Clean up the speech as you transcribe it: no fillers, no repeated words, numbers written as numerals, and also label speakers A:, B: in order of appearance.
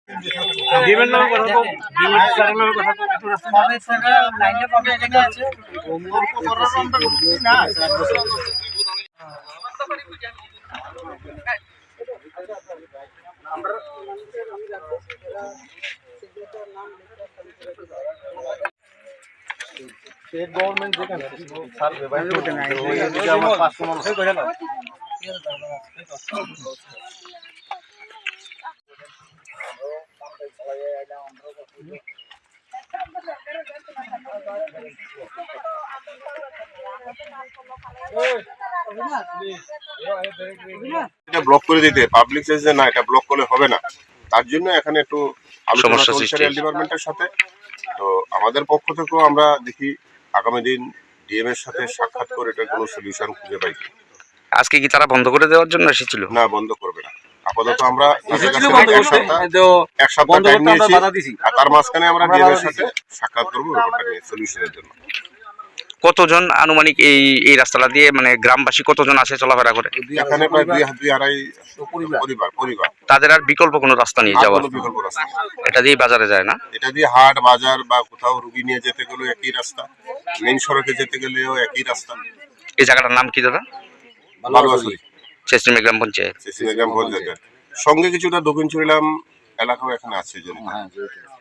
A: ডিমের নামে কথা তো ডিমের স্যারের নামে কথা তো একটু রাস্তা
B: কবে স্যার লাইনে কবে লেখা আছে না
A: স্টেট গভর্নমেন্ট যেখানে স্যার ব্যবহার করতে না এই আমার 500 মানুষ কইরা না
C: এটা ব্লক করে দিতে পাবলিক চাইছে না, এটা ব্লক করলে হবে না। তার জন্য এখানে একটু আলোচনা চলছে রেল ডিপার্টমেন্টের সাথে। তো আমাদের পক্ষ থেকেও আমরা দেখি আগামী দিন ডিএম এর সাথে সাক্ষাৎ করে এটা কোনো সলিউশন খুঁজে পাই।
D: আজকে কি তারা বন্ধ করে দেওয়ার জন্য এসেছিল?
C: না, বন্ধ করবে না। আপাতত আমরা এক সপ্তাহ
A: বন্ধ
C: টাইম
A: করতে আমরা
C: নিয়েছি,
A: বাধা দিছি।
C: আর তার মাঝখানে আমরা ডিএম এর সাথে সাক্ষাৎ করবো ব্যাপারটা নিয়ে সলিউশনের জন্য।
D: কতজন আনুমানিক এই রাস্তাটা দিয়ে মানে গ্রামবাসী কতজন আসে চলাফেরা করে?
C: এখানে প্রায় 2-2.5 পরিবার।
D: তাদের আর বিকল্প কোনো রাস্তা নিয়ে যাওয়ার?
C: কোনো বিকল্প রাস্তা
D: এটা দিয়ে বাজারে যায় না?
C: এটা দিয়ে হাট বাজার বা কোথাও রুগী নিয়ে যেতে গেলেও একই রাস্তা, মেইন সড়কে যেতে গেলেও একই রাস্তা।
D: এই জায়গাটার নাম কি দাদা?
C: বালুয়াছড়ি,
D: চেষ্টিমে গ্রাম পঞ্চায়েত।
C: চেষ্টিমে গ্রাম পঞ্চায়েতের সঙ্গে কিছুটা দক্ষিণ চুরিলাম এলাকাও এখানে আছে।